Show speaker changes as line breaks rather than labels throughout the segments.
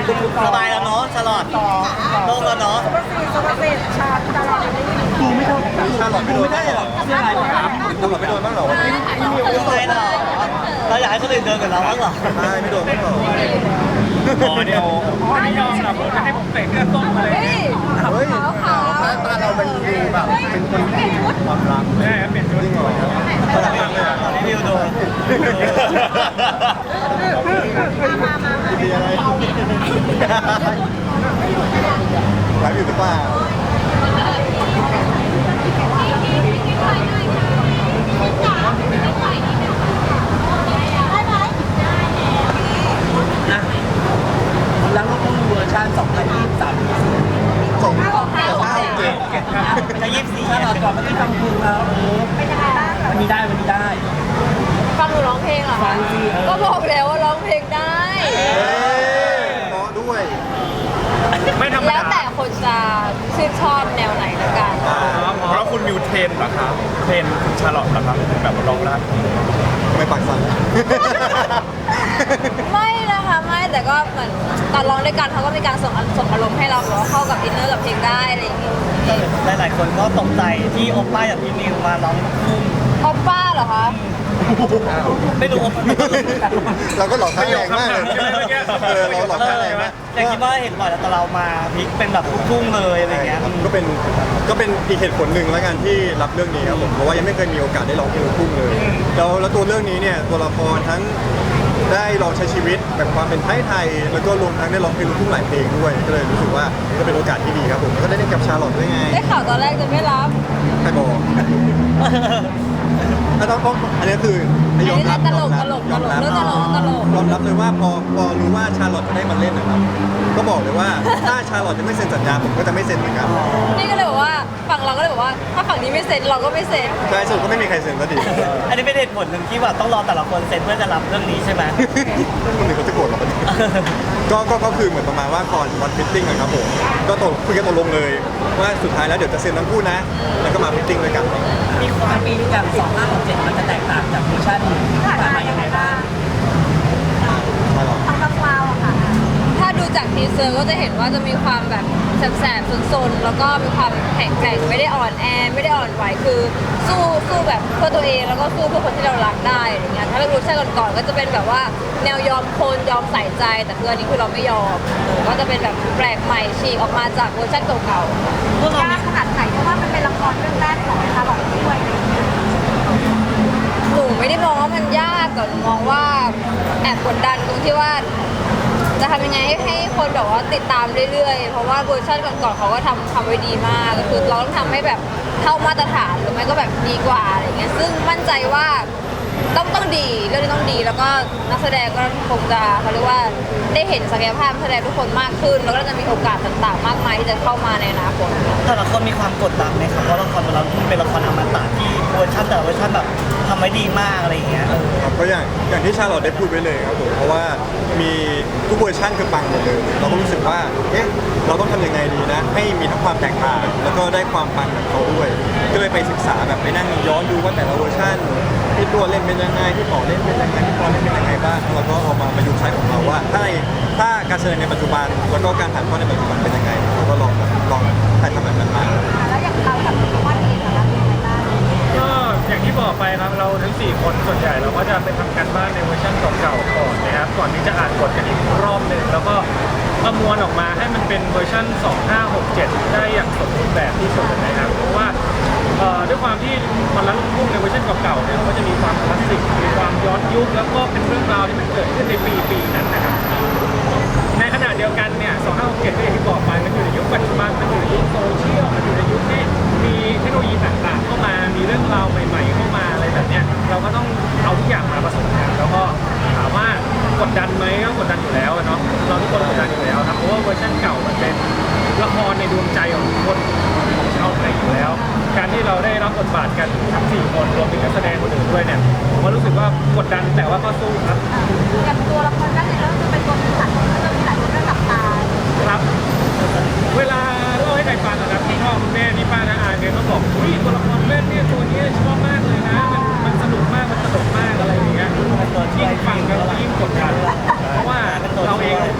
สบายแล้วเนาะชาลอตโล่งแล้วเนาะ
สุภาษิตชาตลอดกูไม่โดนชาหลอดไม่โดนได้หรอเรื่องอะไรครับตำรวจไม่โดนบ้างหรอวันนี้
ไม่ใช่หรอเราอยากให้คนอื่นเดินกับเราบ้างหรอ
ไม่โดนบ้างหรอ
อ๋อเดี๋ยวไม่ยอมหรอกผมจะให้ผมเตะเลือดต้มมาเลย
เฮ้ยบ้านเราเป็นแบบเป็นคนที่ความรัก
ใช่ครับเปลี่ยนชุด
จริงเหรอ
ตอนนี้วิวโดน
มีอะไรไลฟ์อยู่หรือเปล่า
แล้วก็พูดเวอร์ชัน2023
ส่ง
จะ24
ถ้าเราก่อนไม่ได้ทำคุณแล้ว
เป็นยังไงบ้าง
วันนี้ได้
ฟังหนูร้องเพลงเหรอ
ฟั
คะ
งสิ
ก็บอกแล้วว่าร้องเพลงได้
เพราะด้วย
ไม่ธรรม
แล้ว
ดา
แต่คนจะชื่นชอบแนวไหนละกัน
เพราะคุณมิวเทรนเหรอครับเทรนคุณชาลอตเหรอครับแบบร้องได้
ไม่ปากสั่น
ไม่นะคะไม่แต่ก็เหมือนตอนร้องด้วยกันเขาก็มีการส่งอารมณ์ให้เราแบบว่าเข้ากับอินเนอร์กับเพลงได้อะไรอย่างเงี้ย
หลายๆคนก็ตกใจที่โอป้าอย่างพี่นิวมาร้องลูก
ออปป้าเหรอคะ
ไม่รู้
เราก็หลอกท่าแรงมากเลยเราหลอกท่าแรงมาก
แต่คิดว่าเห็นบ่อยแล้วแต่เรามาพลิกเป็นแบบลูกทุ่งเลยอะไรเงี้ย
ก็เป็นอีกเหตุผลหนึ่งแล้วกันที่รับเรื่องนี้ครับผมเพราะว่ายังไม่เคยมีโอกาสได้ร้องเพลงลูกทุ่งเลยแล้วตัวเรื่องนี้เนี่ยตัวละครทั้งได้ลองใช้ชีวิตแบบความเป็นไทยแล้วก็รวมทั้งได้ร้องเพลงลูกทุ่งหลายเพลงด้วยก็เลยรู้สึกว่าก็เป็นโอกาสที่ดีครับผมแล้วก็ได้เล่นกับชาลอตด้วยไง
ได้ข่าวตอนแรกจะไม่รับ
ใครบอกต้องอันนี้คือยอมรับ
ตลก
ยอมรับเลยว่าพอรู้ว่าชาลอตจะได้มาเล่นนะครับก็บอกเลยว่าถ้าชาลอตจะไม่เซ็นสัญญาผมก็จะไม่เซ็นเหมือนกัน
นี่ก็เลยบอกว่าฝั่งเราก็เลยบอกว่าถ้าฝั่งนี้ไม่เซ็นเราก็ไม่เซ็น
ใช่สรุปก็ไม่มีใครเซ็นสักที
อันนี้เป็นเหตุผลหนึ่งที่แบบต้องรอแต่ละคนเซ็นเพื่อจะรับเรื่องนี้ใช่ไหม
คนอื่นเขาจะโกรธเราปะเนี่ยก็คือเหมือนประมาณว่าก่อนวันฟิตติ้งนะครับผมก็คุยกันตกลงเลยว่าสุดท้ายแล้วเดี๋ยวจะเซ็นทั้งคู่นะแล้วก็มาฟิตติ้งด้วยกัน
มีความปีนี้อย่าง2567มันจะแตกต่างจากเวอร์ชันที่ผ่านมายังไงบ้าง
ชาลอต
คร่าวๆอะค่ะ ถ้าดูจากทีเซอร์ก็จะเห็นว่าจะมีความแบบแสบๆซนๆแล้วก็มีความแข็งแกร่งไม่ได้อ่อนแอไม่ได้อ่อนไหวคือสู้แบบเพื่อตัวเองแล้วก็สู้เพื่อคนที่เรารักได้อะไรเงี้ยถ้าเรารู้ใช่ก่อนๆก็จะเป็นแบบว่าแนวยอมคนยอมใส่ใจแต่คืออันนี้คือเราไม่ยอมก็จะเป็นแบบแปลกใหม่ฉีกออกมาจากเวอร์ชันเก่าๆ
พวกเรามี
ขนาดไหนเพราะว่ามันเป็นละครเรื่องแรกของชาลอตด้วยหนูไม่ได้มองว่ามันยากแต่หนูมองว่าแอบกดดันตรงที่ว่า จะทำยังไงให้คนแบบว่าติดตามเรื่อยๆ เพราะว่าเวอร์ชันก่อนๆเขาก็ทำไว้ดีมากก็คือเราต้องทำให้แบบเท่ามาตรฐานหรือไม่ก็แบบดีกว่าอะไรเงี้ยซึ่งมั่นใจว่าต้องดีเรื่องนี้ต้องดีแล้วก็นักแสดงก็คงจะเขาเรียกว่าได้เห็นศักยภาพนักแสดงทุกคนมากขึ้น แล้วก็จะมีโอกาสต่างๆ มากมายที่จะเข้ามาในอนาคต
แต่ละคนมีความกดดันไหมครับเพราะละครของเราที่เป็นละครอมตะที่เวอร์ชันแต่ละเวอร์ชันแบบทำไว้ดีมากอะไรอย่างเงี้ย
ครับก็อย่างที่ชาลอตได้พูดไว้เลยครับผมเพราะว่ามีทุกเวอร์ชันคือปังหมดเลยเราก็รู้สึกว่าเราต้องทำยังไงดีนะให้มีทั้งความแตกต่างแล้วก็ได้ความปังของเขาด้วยก็เลยไปศึกษาแบบไปนั่งย้อนดูว่าแต่ละเวอร์ชันพี่ตัวเล่นเป็นยังไงพี่ป๋อเล่นเป็นยังไงพี่ปอเล่นเป็นยังไงบ้างแล้วก็เอามาประยุกต์ใช้ของเราว่าถ้าการแสดงในปัจจุบันแล้วก็การถ่ายทอดในปัจจุบันเป็นยังไงเราก็ลองถ่ายทำแบบนั้นมา
แล้วอย่างเรากับว่าเองนะคะเป็นยังไงบ้าง
ก็อย่างที่บอกไปครับเราทั้ง4คนส่วนใหญ่เราก็จะไปทำการบ้านในเวอร์ชันเก่าๆก่อนนะครับก่อนที่จะอ่านบทกันอีกรอบหนึ่งแล้วก็ประมวลออกมาให้มันเป็นเวอร์ชัน2567ได้อย่างสมบูรณ์แบบที่สุดนะครับเพราะว่าด้วยความที่มันละลูกทุ่งในเวอร์ชันเก่าๆเนี่ยมันก็จะมีความคลาสสิกมีความย้อนยุคแล้วก็เป็นเรื่องราวที่มันเกิดขึ้นในปีนั้นนะครับในขณะเดียวกันเนี่ย2567ก็อย่างที่บอกไปมันอยู่ในยุคปัจจุบันมันอยู่ในยุคโซเชียลมันอยู่ในยุคที่มีเทคโนโลยีต่างๆเข้ามามีเรื่องราวใหม่ๆเข้ามาอะไรแบบเนี้ยเราก็ต้องเอาทุกอย่างมาผสมกันแล้วก็ถามว่ากดดันไหมก็กดดันอยู่แล้วเนาะเราทุกคนกดดันอยู่แล้วครับเพราะว่าเวอร์ชันเก่ามันเป็นละครในดวงใจของทุกคนของชาวไทยอยู่แล้ว การที่เราได้รับบทบาทกันทั้ง4คนรวมถึงนักแสดงคนอื่นด้วยเนี่ยผมก็รู้สึกว่ากดดันแต่ว่าก็สู้ครับ
อย่างตัวละครแรกเนี่ยก็จะเป็นตัวที่สั่นก็จะมีหลายคนเรื่องหลับตา
ครับเวลาเล่าให้ใครฟังนะครับพี่พ่อคุณแม่พี่ป้าน้าอาเนี่ยเขาบอกอุ้ยตัวละครเล่นเนี่ยตัวนี้ชอบมากเลยนะมันสนุกมากมันสนุกมากอะไรอย่างเงี้ยยิ่งฟังกันยิ่งกดดันเพราะว่าเราเองเราไม่ได้เป็นตัว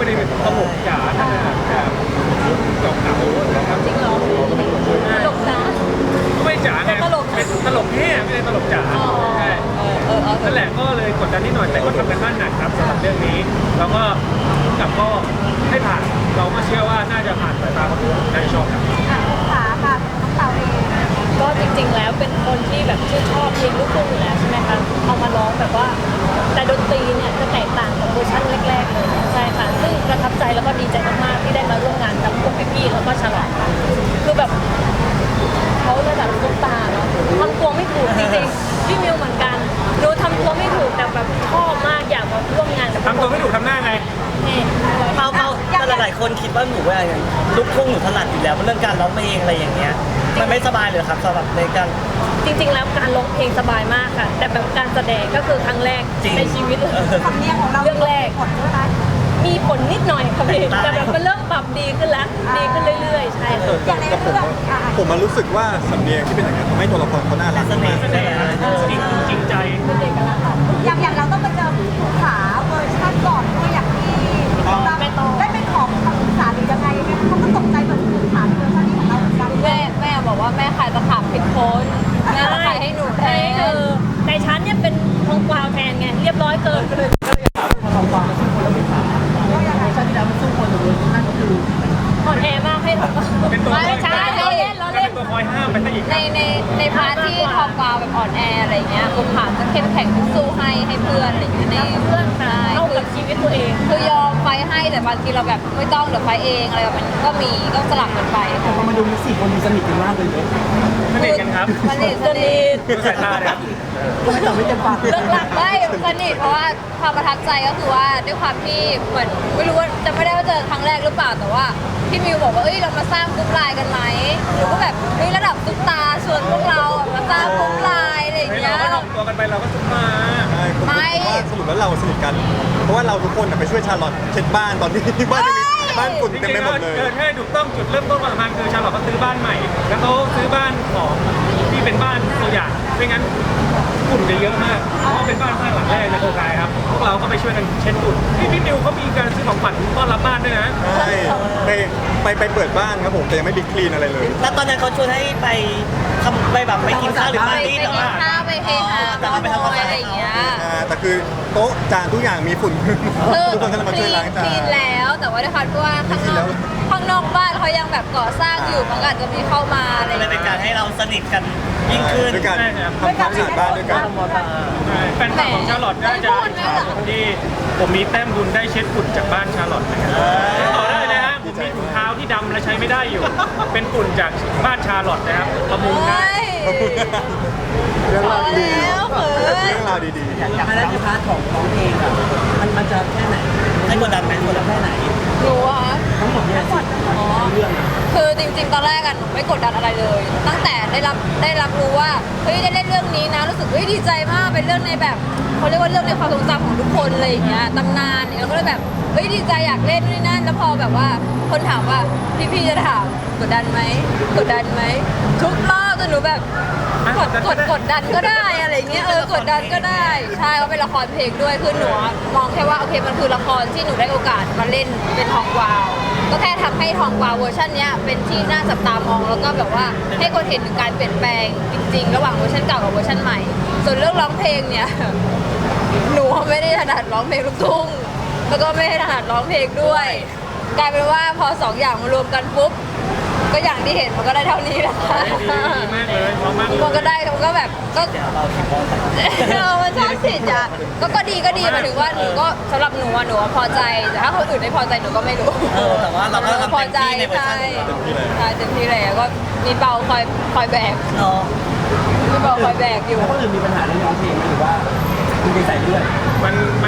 ลกจ๋าขนาดแบบเก่าๆนะครับ
จริงเหรอตลกนะ
ไม่จ๋าไง
ตลก
เป็นตลกแท้ไม่ใช่ตลกจ๋า
อ๋อ
ใช่ นั่นแหละก็เลยกดดันนิดหน่อยแต่ก็ทำกันบ้านหนักครับสำหรับเรื่องนี้ แล้วก็กับก็ให้ผ่านเราก็เชื่อว่าน่าจะผ่านสายตาคนดูน่าจะชอบครับ
ขาค่ะน้องเต่าเอง
ก็จริงๆ แล้วเป็นคนที่แบบชื่นชอบเพลงลูกทุ่งอยู่แล้วใช่ไหมคะเอามาร้องแบบว่า แต่ดนตรีเนี่ยจะแตกต่างกับเวอร์ชันแรกๆเลยใช่ค่ะซึ่งประทับใจแล้วก็ดีใจมากๆที่ได้มาร่วมงานกับพวกพี่ๆแล้วก็ฉลองคือแบบเขาระดับซุปตาร์เนาะทำตัวไม่ถูกจริงๆพี่มิวเหมือนกันหนูทำตัวไม่ถูกแต่แบบชอบมากอยากมาร่วมงานกับ
ทำตัวไม่ถูกทำหน้าไง
นี่
เขาแต่หลายๆคนคิดว่าหนูว่าอย่างลูกทุ่งหนูถนัดอยู่แล้วเรื่องการร้องเพลงอะไรอย่างเงี้ยมันไม่สบายเลยครับสำหรับในการ
จริงๆ แล้วการร้องเพลงสบายมากค่ะ แต่แบบการแสดงก็คือครั้งแรก
จริง
ในชีวิตเลย
สำเนียงของเรา
เรื่องแรก
ผลใช่ไหม
มีผลนิดหน่อยค่ะพี่
ได้
แต่แบบมันเริ่มปรับดีขึ้นแล้วดีขึ้นเรื่อยๆ ใช่ค่ะ
อย่างใน
แต่ผม
เรื่อง
ผมมารู้สึกว่าสำเนียงที่เป็นอย่างนี้ยทำให้ตัวละครเขาน่ารัก
เสน่
มาก
ห์ใช่ไหมฮะ
จริงใจ
อย่างเราต้องไปเจอพี่ภูขาเวอร์ชันก่อนด้วยอย่างที่เราได้เป็นของคำปรึกษาหรือยังไงเขาก็ตกใจเหมือนภูขาเวอร์ชันนี้ของเราเหมือนกัน
แม่บอกว่าแม่ขายตะขาบผิดคนแม่ขายให้หนูแท
ใช่
น
แต่ฉันเนี่ยเป็นทองกวาวแทนไงเรียบร้อยเกิน
ทำความสู้คนแล้วไม่ผ่านเวอร์ชันที่แล้วมันสู้คนแต่เวอร์ชันก็คือ
อ่อนแอมากให้ทองกวาว
เป็นตัว
ไม่ใช่เราเล่นเรา
ก็
เล่
เป็น นตัวคอยห้ามไปซะอีก
ในพาร์ทที่ทองกวาวแบบอ่อนแออะไรเงี้ยคุณผ่านจะเข้มแข็งสู้ให้เพื่อนอะไรอย่างเงี้ยใน
เพื่อนค่ะ
ใช่
เข้ากับชีวิตตัวเอง
คือยอมไฟให้แต่บางทีเราแบบไม่ต้องเดี๋ยวไฟเองอะไรแบบนี้ก็มีก็สลับกันไป
แต่พอมาดูสี่คนดูสนิทกันมากเลยเนี่ย
สนิทกันครับ
สนิท
ดูสายตาเลยครับ
ไม่ตอบไม่เต็มปาก
เรื่องหลักไม่สนิทเพราะว่าความประทับใจก็คือว่าด้วยความที่เหมือนไม่รู้ว่าจะไม่ได้ว่าเจอครั้งแรกหรือเปล่าแต่ว่าพี่มิวบอกว่าเอ้ยเรามาสร้างกรุ๊ปไลน์กันไหมหนูก็แบบเฮ้ยระดับซุปตาชวนพวกเราอะมาสร้างกรุ๊ปไลน์อะไรอย่าง
เฮ้ย
เงี้
เรา
ย
ก็ทำตัวกันไปเราก็ซุกมา
ใช่ผมคิดว่าสรุปแล้วเราสนิทกัน เพราะว่าเราทุกคนน่ะไปช่วยชาลอตเช็ดบ้านตอนที่บ้านมีบ้านฝุ่น
จริ
เต็ม
ง
ไป
ๆ
หม
แล้ว
ดเลย
เกิดให้ถูกต้องจุดเริ่มต้นของมันคือชาลอตเขาซื้อบ้านใหม่ แล้วเขาซื้อบ้านของที่เป็นบ้านตัวอย่างไม่งั้นฝุ่นจะเยอะมากเพราะว่าเป็นบ้านสร้างหลังแรกในโครงการครับพวกเราก็ไปช่วยกันเช็ดฝุ่นพี่นิวเขามีการซื้อของขวัญต้อนรับบ้านด้วยนะ
ใช่ไปเปิดบ้านครับผมแต่ยังไม่บิ๊กคลีนอะไรเลย
แล้วตอนนั้นเขาชวนให้ไปทำไปแบบไปกินข้าวหรือ
ไป
ปาร์ตี้
กิ
แต่
น
ว่า
ข้าวไปเฮฮา
แต่
ต่อ
เราไปทำความ
มอย
สะอาด
อะไรอย่างเงี้ย
แต่คือโต๊ะจานทุกอย่างมีฝุ่น
คือ
ทุกคนก็เลยมา
ค
ช่วย
ลี
ล้าง
น
จา
คลี
น
นแล้วแต่ว่าด้วยความที่ว่าข้างนอกบ้านเขายังแบบก่อสร้างอยู่มันก็อาจจะมีเข้ามาอะไรอ
ก็
ย่าง
เลยเป็น
เงี้ย
การให้เราสนิทกันยิ่งขึ้น
ด้วยการทำความสะอาดบ้านด้วยกัน
ใช่แฟนคลับของชาลอตน่าจะอิจฉาผมที่ผมมีแต้มบุญได้เช็ดฝุ่นจากบ้านชาลอตนะครับต่อได้เลยนะฮะผมมีถุงเท้าที่ดำและใช้ไม่ได้อยู่ เป็นฝุ่นจากบ้านชาลอตนะครับประมูลได้
เฮ้ย
เรื่อง
พอ
ราวดี
แล้วเขิน
เรื่องราวดี
อย่างนั้นในพาร์ทของร้องเพลงอะมันจะแค่ไหน
ให้กดดันไหมกดดันไหม
แค่ไหน
หนูอะ
ทั้งหมดเนี่ยเรื่องอะ
คือจริงๆ ตอนแรกอะหนูไม่กดดันอะไรเลย ตั้งแต่ได้รับรู้ว่าเฮ้ยได้เล่นเรื่องนี้นะรู้สึกเฮ้ยดีใจมากเป็นเรื่องในแบบเขาเรียกว่าเรื่องในความทรงจำของทุกคนอะไรอย่างเงี้ยตำนานเนี่ยเราก็เลยแบบเฮ้ยดีใจอยากเล่นนู่นนนั่นแล้วพอแบบว่าคนถามว่าพี่ๆจะถามกดดันไหมกดดันไหมทุกรอบจนหนูแบบกดดันก็ได้อะไรเงี้ยกดดันก็ได้ใช่เขาเป็นละครเพลงด้วยคือหนูอะมองแค่ว่าโอเคมันคือละครที่หนูได้โอกาสมาเล่นเป็นทองกวาว ก็แค่ทำให้ทองกวาวเวอร์ชันเนี้ยเป็นที่น่าจับตามองแล้วก็แบบว่าให้คนเห็นถึงการเปลี่ยนแปลงจริงๆ ระหว่างเวอร์ชันเก่ากับเวอร์ชันใหม่ ส่วนเรื่องร้องเพลงเนี่ย หนูไม่ได้ถนัดร้องเพลงลูกทุ่งแล้วก็ไม่ได้ถนัดร้องเพลงด้วย กลายเป็นว่าพอสองอย่างมารวมกันปุ๊บก็อย่างที่เห็นมันก็ได้เท่านี้แหละค่ะ
ดีมากเลยพร้อมมากเลย
มันก็ได้มันก็แบบก็ มันชอบสิทธิ์อ่ะก็ดีหมายถึงว่าหนูก็สำหรับหนูอะหนูอะพอใจแต่ถ้าคนอื่นไม่พอใจหนูก็ไม่รู้
แต่ว่าเราก็ทำ
พอ
เต็ม
ใจ
ที่ในเวอร์ชั
ใช่
นของเรา
ใช่เต็มที่เลยก็มีเบาคอยแบก
เนาะ
มีเบาคอยแบกอยู่
แล้วคนอื่นมีปัญหาเรื่องร้องเพลงไหมหรือว่าคุณไปใส่เลือด
มัน